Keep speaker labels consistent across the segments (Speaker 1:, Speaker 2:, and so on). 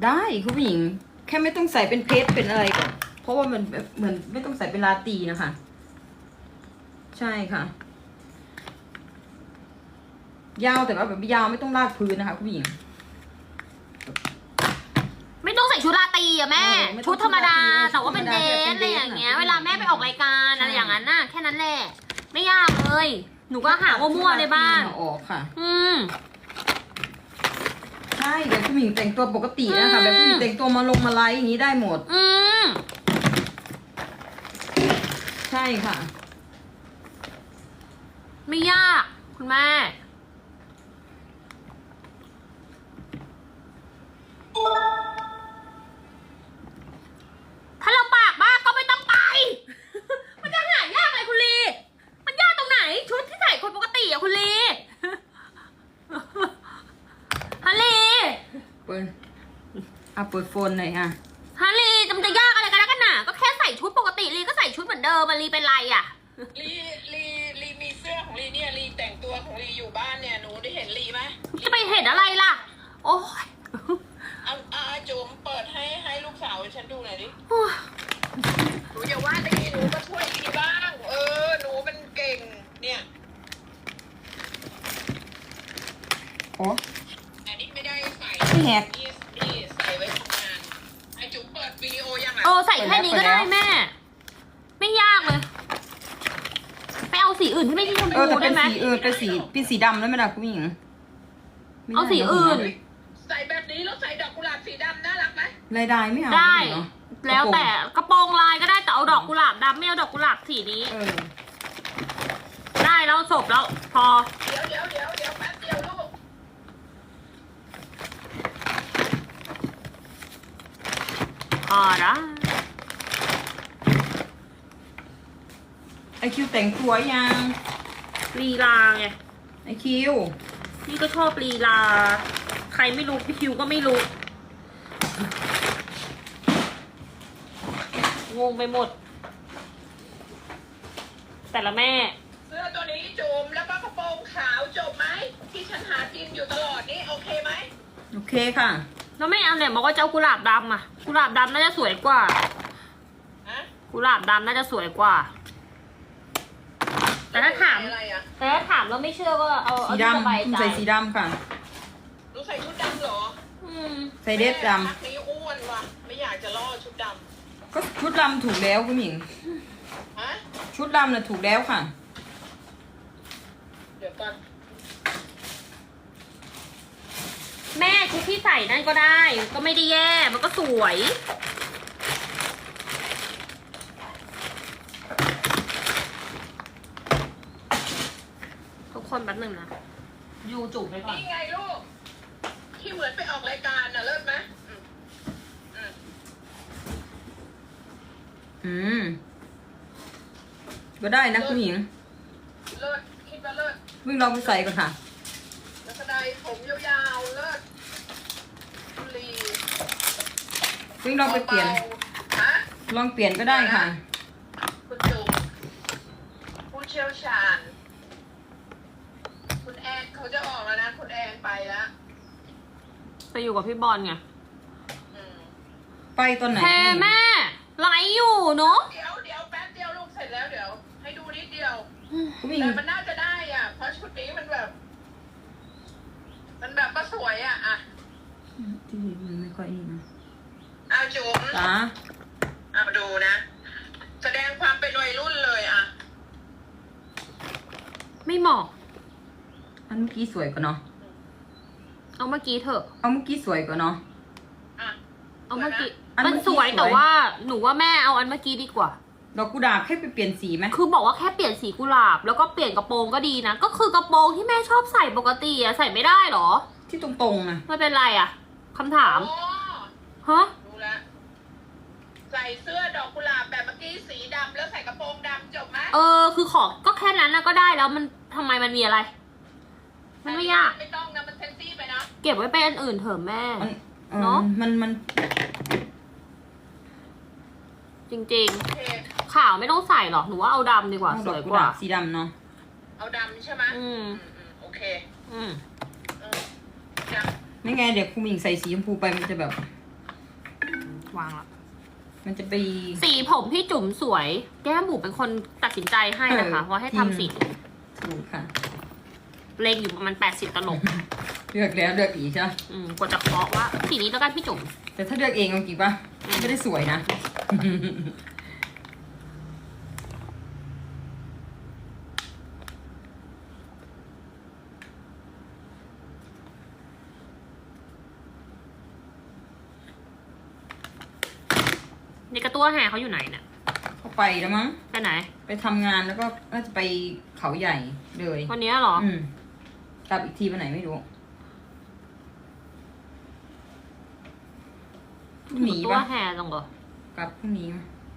Speaker 1: ได้คุณผู้หญิงแค่ไม่ต้องใส่เป็นเพชรเป็นอะไรก่อนเพราะว่ามันเหมือนไม่ต้องใส่เป็นลาตรีนะคะใช่ค่ะยาวแต่ว่าแบบยาวไม่ต้องลากพื้นนะคะคุณผู้หญิง
Speaker 2: ไม่ต้องใส่ชุดราตรีอะแม่ชุดธรรมดาแต่ว่าเป็นเด
Speaker 1: ชุดธรรมดา
Speaker 2: ทอะไรอย่างเงี้ย
Speaker 1: เป็นเดท
Speaker 2: เวลาแม่ไปออกรายการอะไรอย่างนั้นน่ะแค่นั้นแหละไม่ยากเลยหนูก็หามั่วๆในบ้าน
Speaker 1: ออกค่ะ
Speaker 2: ใช่
Speaker 1: แบบผู้หญิงแต่งตัวปกตินะคะแบบผู้หญิงแต่งตัวมาลงมาไลฟ์อย่างนี้ได้หมดใช่ค่ะ
Speaker 2: ไม่ยากคุณแม่ถ้าเราปากมากก็ไม่ต้องไป มันจะหายากเลยคุณลีมันยากตรงไหนชุดที่ใส่คนปกติอะคุณลีฮันลี
Speaker 1: เปิดโฟนหน่อยค่ะ
Speaker 2: ฮันลีมันจะยากอะไรกันนะกันหนาก็แค่ใส่ชุดปกติลีก็ใส่ชุดเหมือนเดิมมันลีเป็นไรอะ
Speaker 3: ลีมีเสื้อของลีเนี่ยลีแต่งตัวของลีอยู่บ้านเนี่ยหนูได้เห็นลีไหม
Speaker 2: จะไปเห็นอะไรล่ะโอ้ย
Speaker 3: เอาจุ๋มเปิดให้ลูกสาวฉันดูหน่อยดิหนูอย่าว่าลีหนูก็ช่วยลีบ้างหนูเป็นเก่งเนี่ย
Speaker 1: โอ้
Speaker 3: อันนี้ไม่ได้ใส่
Speaker 1: ไม่แหก
Speaker 3: นี่ใส่ไว้ทำงานไอจุ๋มเปิดวิดีโอยังไง
Speaker 2: ใส่แค่นี้ก็ได้แม่ ไม่ยากเลยไปเอาสีอื่นที่ไม่ใช่ชม
Speaker 1: แต่
Speaker 2: พู
Speaker 1: เป็
Speaker 2: ได้
Speaker 1: น
Speaker 2: ไหม
Speaker 1: เป็นสีดำแล้วไหมล่ะคุณผู้หญิง
Speaker 2: เอาสีอื่น
Speaker 3: ใส่แบบนี้แล้วใส่ดอกกุหลาบสีดำน่ารักไหม
Speaker 1: ลายไม่เอา
Speaker 2: ได้
Speaker 1: เนาะ
Speaker 2: แล้วแต่กระโปรงลายก็ได้แต่เอาดอกกุหลาบดำไม่เอาดอกกุหลาบสีนี้ ได้แล้วจบแล้วพอ
Speaker 3: เดี๋ยวแป๊บเดียวลูก
Speaker 2: พอนะ
Speaker 1: ไอคิวแต่งตัวยัง
Speaker 2: ลีลาไง
Speaker 1: ไอคิว
Speaker 2: นี่ก็ชอบลีลาใครไม่รู้พี่คิวก็ไม่รู้งงไปหมด แต่ละแม่
Speaker 3: เสื้อตัวนี้จุ๋มแล้วก็กระโปรงขาวจบไหมที่ฉันหากินอยู่ตลอดนี่โอเคไหม
Speaker 1: โอเคค่ะ
Speaker 2: แล้วไม่เอาเนี่ยบอกว่าจะเอากุหลาบดำอ่ะกุหลาบดำน่าจะสวยกว่า
Speaker 3: ฮะ
Speaker 2: กุหลาบดำน่าจะสวยกว่า แต่ถ้าถาม
Speaker 3: อะไรอ่ะ
Speaker 2: แต่ถ้าถามแล้วไม่เชื่อก็เอา
Speaker 1: สี
Speaker 2: ที่สบาย
Speaker 1: ดำ
Speaker 2: ใจ
Speaker 1: ใส่สีดำค่ะ
Speaker 3: หนูใส่ชุดดำเหรอ
Speaker 1: ใส่เดรสด
Speaker 3: แม่พักนี้อ้วนว่ะไม่อยากจะล่อชุดด
Speaker 1: ำก็ชุดดำถูกแล้วคุณหญิง
Speaker 3: ำฮะ
Speaker 1: ชุดดำน่ะถูกแล้วค่ะ
Speaker 3: เดี๋ยวก่อน
Speaker 2: แม่ชุดที่ใส่นั่นก็ได้ ก็ไม่ได้แย่มันก็สวยทุกคนแป๊บหนึ่งนะยูจุบไปก่อน
Speaker 3: นี่ไงลูกที่เหมือนไปออกรายการน่ะเลิศไหม
Speaker 1: ก็ได้นะคุณหญิง
Speaker 3: เลิศคิดว่าเลิศ
Speaker 1: วิ่งลองไปใส่ก่อนค่ะ
Speaker 3: แล้วก็ได้ผมยาวๆเลิศคุณลี
Speaker 1: วิ่งลองไปเปลี่ยน
Speaker 3: ฮะ
Speaker 1: ลองเปลี่ยนก็ได้ค่ะ
Speaker 3: คุณจุ๋มผู้เชี่ยวชาญคุณแอนเขาจะออกแล้วนะคุณแอนไปแล้ว
Speaker 2: ไปอยู่กับพี่บอลไง
Speaker 3: อืม
Speaker 1: ไปตอนไหน
Speaker 2: แพ่แม่ไลฟ์อยู่เนาะ
Speaker 3: เดี๋ยวแป๊บเดียวลูกเสร็จแล้วเดี๋ยว ให้ดูนิดเดียว
Speaker 1: คุณหญิง
Speaker 3: แต่มันน่าจะได้อ่ะ เพราะชุดนี้มันแบบก็สวยอ่ะอ่ะ
Speaker 1: ที่มันไม่ค่อยนี่นะ
Speaker 3: เอาจุ๋ม
Speaker 1: จ้า
Speaker 3: เอาดูนะ แสดงความเป็นวัยรุ่นเลยอ่ะ
Speaker 2: ไม่เหมาะ
Speaker 1: อันเมื่อกี้สวยกว่าเนาะ
Speaker 2: เอาเมื่อกี้เถอะ
Speaker 1: เอาเมื่อกี้สวยกว่าเนาะ
Speaker 3: อ่ะ
Speaker 2: เอาเมื่อกี้
Speaker 1: อัน
Speaker 2: มัน
Speaker 1: เมื่อกี้
Speaker 2: สวย
Speaker 1: สวย
Speaker 2: แต่ว่าหนูว่าแม่เอาอันเมื่อกี้ดีกว่า
Speaker 1: ดอกกุหลาบให้ไปเปลี่ยนสีไหม
Speaker 2: คือบอกว่าแค่เปลี่ยนสีกุหลาบแล้วก็เปลี่ยนกระโปรงก็ดีนะ ก็คือกระโปรงที่แม่ชอบใส่ปกติอะใส่ไม่ได้เหรอ
Speaker 1: ที่ตรงๆนะ
Speaker 2: ไม่เป็นไรอะคำถาม
Speaker 3: อ๋อ
Speaker 2: ฮะ
Speaker 3: ดูละใส่เสื้อดอกกุหลาบแบบเมื่อกี้สีดำแล้วใส่กระโปรงดำจบไหม
Speaker 2: คือขอก็แค่นั้นนะก็ได้แล้วมันทำไมมันมีอะไร มันไม่ยาก
Speaker 3: ไม่ต้องนะมันเซ็กซี่ไปนะ
Speaker 2: เก็บไว้เป็นอันอื่นเถอะแม่
Speaker 1: เนาะมัน
Speaker 2: จริง
Speaker 3: โอเค
Speaker 2: ๆ ขาวไม่ต้องใส่หรอกหนูว่าเอาดำดีกว่า
Speaker 1: เอา
Speaker 2: ส
Speaker 1: ดอก
Speaker 2: วย
Speaker 1: กุ
Speaker 2: ก
Speaker 1: หลา
Speaker 2: ว่า
Speaker 1: บสีดำเนาะ
Speaker 3: เอาดำใช่ไหม
Speaker 2: อืม
Speaker 3: โอเค
Speaker 2: อืม
Speaker 3: อืมจ้ะ
Speaker 1: ไม่ไงเดี๋ยวคุณหญิงใส่สีชมพูไปมันจะแบบ
Speaker 2: วางละ
Speaker 1: มันจะไป
Speaker 2: สีผมพี่จุ๋มสวย แก้มบุ๋มเป็นคนตัดสินใจให้นะคะว่าให้ทำสี
Speaker 1: ถูกค่ะ
Speaker 2: เลงอยู่ประมาณ80 ตลบ
Speaker 1: เลือกแล้วเลือกอีกใช่ไหม
Speaker 2: กว่าจะเคาะว่าสีนี้แล้วกันพี่จุ๋ม
Speaker 1: แต่ถ้าเลือกเองเอาจริงปะไม่ได้สวยนะ
Speaker 2: นี่กระตัวแห่เขาอยู่ไหนเนี่ย
Speaker 1: เขาไปแล้วมั้ง
Speaker 2: ไปไหน
Speaker 1: ไปทำงานแล้วก็น่าจะไปเขาใหญ่เลย
Speaker 2: วันนี้เหรอ
Speaker 1: กลับอีกทีวันไหนไม่รู้หนี
Speaker 2: ตัว
Speaker 1: ปะ
Speaker 2: แห่จังเหรอก
Speaker 1: ลับพรุ่งนี้ไหม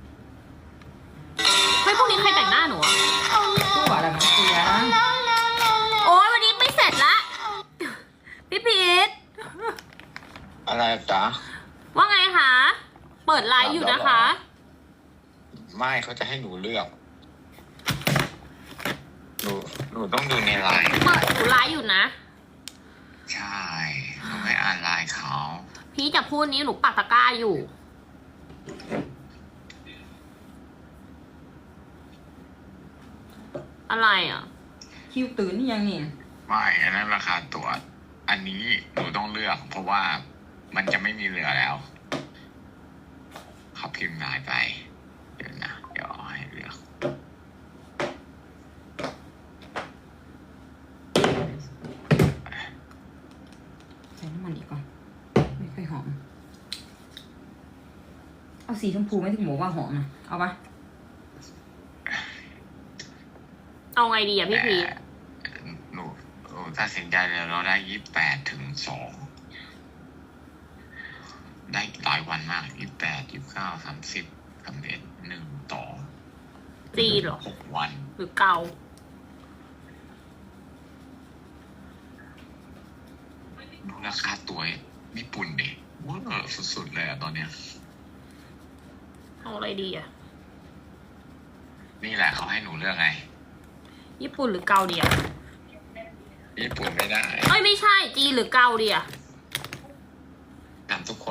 Speaker 2: เฮ้ยพรุ่งนี้ใครแต่งหน้าหนูอะ
Speaker 1: ตัวอะไรมาเสีย
Speaker 2: โอ้ยวันนี้ไม่เสร็จละ พี่พีท
Speaker 4: อะไรจ๊ะ
Speaker 2: ว่าไงคะ เปิดไลฟ์อยู่นะคะ
Speaker 4: ไม่เขาจะให้หนูเลือก หนูต้องดูในไลน์
Speaker 2: เปิดหนูไลฟ์อยู่นะ
Speaker 4: ใช่หนูไม่อ่านไลน์เขา
Speaker 2: พี่จะพูดนี้หนูปักตะกร้าอยู่ อะไรอ่ะ
Speaker 1: คิวตื่นนี่ยังเนี่ย
Speaker 4: ไม่อันนั้นราคาตั๋วอันนี้หนูต้องเลือก เพราะว่ามันจะไม่มีเหลือแล้วเขาพิมพ์นายไป เดี๋ยวนะเดี๋ยวเอาให้เลือก
Speaker 1: ใส่น้ำมันอีกก่อนไม่ค่อยหอม เอาสีชมพูไหมที่หมูว่าหอมนะเอาปะ
Speaker 2: เอาไงดีอ่ะพี่พีท
Speaker 4: หนูตัดสินใจเลยเราได้28 ถึง 2ได้หลายวันมาก28 29 30 31 1
Speaker 2: จีนเหรอ
Speaker 4: 2 6 วัน
Speaker 2: หรือเกา
Speaker 4: ดูราคาตั๋วญี่ปุ่นดิว้าวสุดๆเลยอะตอนเนี้ย
Speaker 2: เอาอะไรดีอ่ะ
Speaker 4: นี่แหละเขาให้หนูเลือกไง
Speaker 2: ญี่ปุ่นหรือเกาดีอ่ะ
Speaker 4: ญี่ปุ่นไม่ได้
Speaker 2: เอ้ยไม่ใช่จีนหรือเกาดีอ่ะ
Speaker 4: ถามทุกคน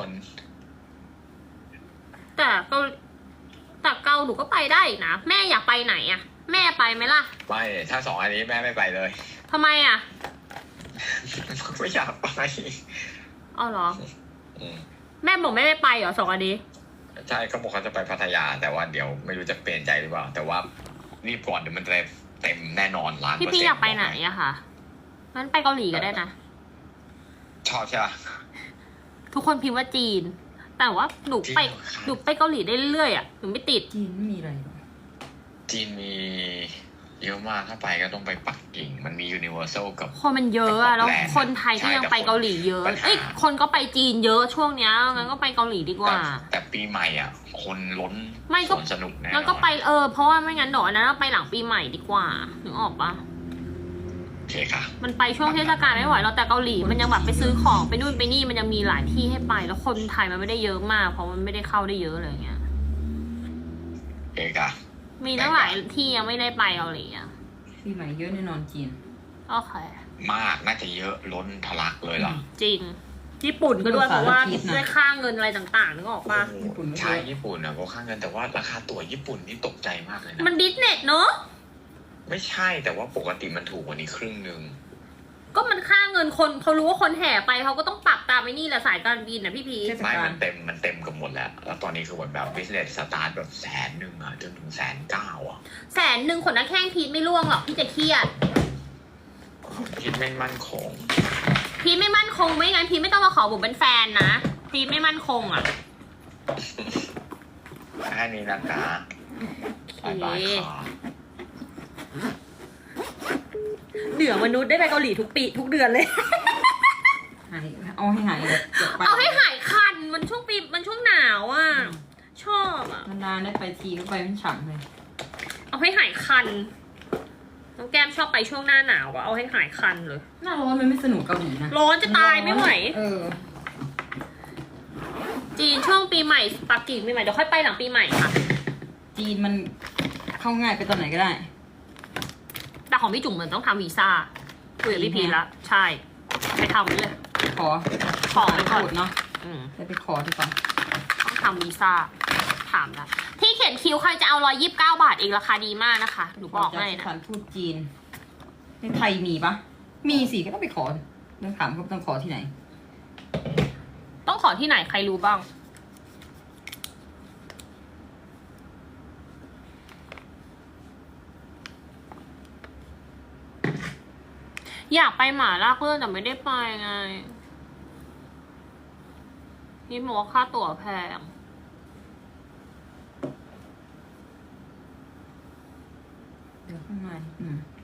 Speaker 2: แต่เกาหนูก็ไปได้อีกนะ แม่อยากไปไหนอ่ะ แม่ไปไหมล่ะ
Speaker 4: ไม่ถ้า2 อันนี้แม่ไม่ไปเลย
Speaker 2: ทำไมอ่ะ
Speaker 4: ไม่อยากไป
Speaker 2: เอาเหรอ
Speaker 4: อืม
Speaker 2: แม่บอกไม่ได้ไปเหรอ2 อันนี้
Speaker 4: ใช่เขาบอกเขาจะไปพัทยา แต่ว่าเดี๋ยวไม่รู้จะเปลี่ยนใจหรือเปล่า แต่ว่ารีบก่อนเดี๋ยวมันจะเต็มแน่นอน1,000,000%
Speaker 2: พี่อยากไปไหนอะค่ะงั้นไปเกาหลีก็ได้นะ
Speaker 4: ชอบใช่ปะ
Speaker 2: ทุกคนพิมพ์ว่าจีน แต่ว่าหนูไป
Speaker 4: จริงเหรอคะ
Speaker 2: หนูไปเกาหลีได้เรื่อยๆอ่ะหนูไม่ติด
Speaker 1: จีนไม่มีอะไรหรอก
Speaker 4: จีนมีเยอะมากถ้าไปก็ต้องไปปักกิ่ง มันมียูนิเวอร์แซลกับ
Speaker 2: คนมันเยอะอะแล้วคนไทยก็ยังไปเกาหลีเยอะ
Speaker 4: ปัญหา
Speaker 2: เอ้ยคนก็ไปจีนเยอะช่วงเนี้ยงั้นก็ไปเกาหลีดีกว่า
Speaker 4: แต่ปีใหม่อ่ะ คนล้น
Speaker 2: ไม่ก็
Speaker 4: สวนสนุกแน่นอน
Speaker 2: งั้นก็ไปเพราะว่าไม่งั้นเดี๋ยวอันนั้นเราไปหลังปีใหม่ดีกว่านึกออกปะ
Speaker 4: โอเคค่ะ
Speaker 2: มันไปช่วงเทศกาลไม่ไหวเราแต่เกาหลีมันยังแบบไปซื้อของไปนู่นไปนี่มันยังมีหลายที่ให้ไป แล้วคนไทยมันไม่ได้เยอะมาก เพราะมันไม่ได้เข้าได้เยอะอะไรเงี้ย
Speaker 4: โอเคค่ะ
Speaker 2: มีตั้งหลายที่ยังไม่ได้ไปเกาหลีอ่ะ
Speaker 1: ปีใหม่เยอะแน่นอนจีน
Speaker 2: โอเค
Speaker 4: มากน่าจะเยอะล้นทะลักเลยล่ะ
Speaker 2: จริงญี่ปุ่นก็ด้วย
Speaker 1: ภาษา
Speaker 2: เพราะว่า
Speaker 1: อังกฤษนะ
Speaker 2: ด้วยค่าเงินอะไรต่างๆนึกออกปะ
Speaker 1: ญี่ปุ่นไม่เยอะ
Speaker 4: ใช่ญี่ปุ่นอ่ะก็ค่าเงินแต่ว่าราคาตั๋วญี่ปุ่นนี่ตกใจมากเลยนะ
Speaker 2: มันบิสเนสเนอะ
Speaker 4: ไม่ใช่แต่ว่าปกติมันถูกกว่านี้ครึ่งหนึ่ง
Speaker 2: ก็มันค่าเงินคนเขารู้ว่าคนแห่ไปเขาก็ต้องปรับตามไอ้นี่แหละสายการบินนะพี่พีช
Speaker 1: เทศ
Speaker 4: ไม่
Speaker 1: กาล
Speaker 4: มันเต็มกับหมดแล้ว แล้วตอนนี้คือแบบบิสเนสสตาร์ทแบบ100,000อ่ะจนถึง190,000อ่ะ
Speaker 2: 100,000ขนหน้าแข้งพีทไม่ร่วงหรอกพี่จะเครียด
Speaker 4: คิดไม่มั่นคง
Speaker 2: พีทไม่มั่นคงไม่งั้นพีทไม่ต้องมาขอผมเป็นแฟนนะพีทไม่มั่นคงอ่ะ
Speaker 4: แค่นี้นะคะบายบายค่ะ
Speaker 2: เหนือมนุษย์ได้ไปเกาหลีทุกปีทุกเดือนเลย
Speaker 1: หายเอาให้หายเลยเดี๋ยวไป
Speaker 2: เอาให้หายคันมันช่วงปีมันช่วงหนาวอ่ะ ชอบอ่ะ
Speaker 1: นานๆได้ไปทีก็ไปเป็นฉ่ำเลย
Speaker 2: เอาให้หายคันน้องแก้มชอบไปช่วงหน้าหนาวอ่ะเอาให้หายคันเลย
Speaker 1: หน้าร้อนมันไม่สนุกเกาหลีนะ
Speaker 2: ร้อนจะตายไม่ไหว จีนช่วงปีใหม่ปักกิ่งปีใหม่เดี๋ยวค่อยไปหลังปีใหม่ค่ะ
Speaker 1: จีนมันเข้าง่ายไปตอนไหนก็ได้
Speaker 2: แต่ของพี่จุ๋มเหมือนต้องทำวีซ่าคุยกับพี่พีชละใช่ไปทำเลย
Speaker 1: ขอ
Speaker 2: ขอไปก่อน
Speaker 1: พูดเนาะจะไปขอดีกว่า
Speaker 2: ต้องทำวีซ่าถามแล้วที่เขียนคิวใครจะเอา129 บาทเองราคาดีมากนะคะหนูบอกให้
Speaker 1: ส
Speaker 2: นะ
Speaker 1: ถานทูตจีนในไทยมีปะมีสิก็ต้องไปขอต้องถามเขาต้องขอที่ไหน
Speaker 2: ต้องขอที่ไหนใครรู้บ้างอยากไปหมาลากเลื่อนแต่ไม่ได้ไปไงนี่บอกว่าค่าตั๋วแพง
Speaker 1: เดี๋ยวข้างใน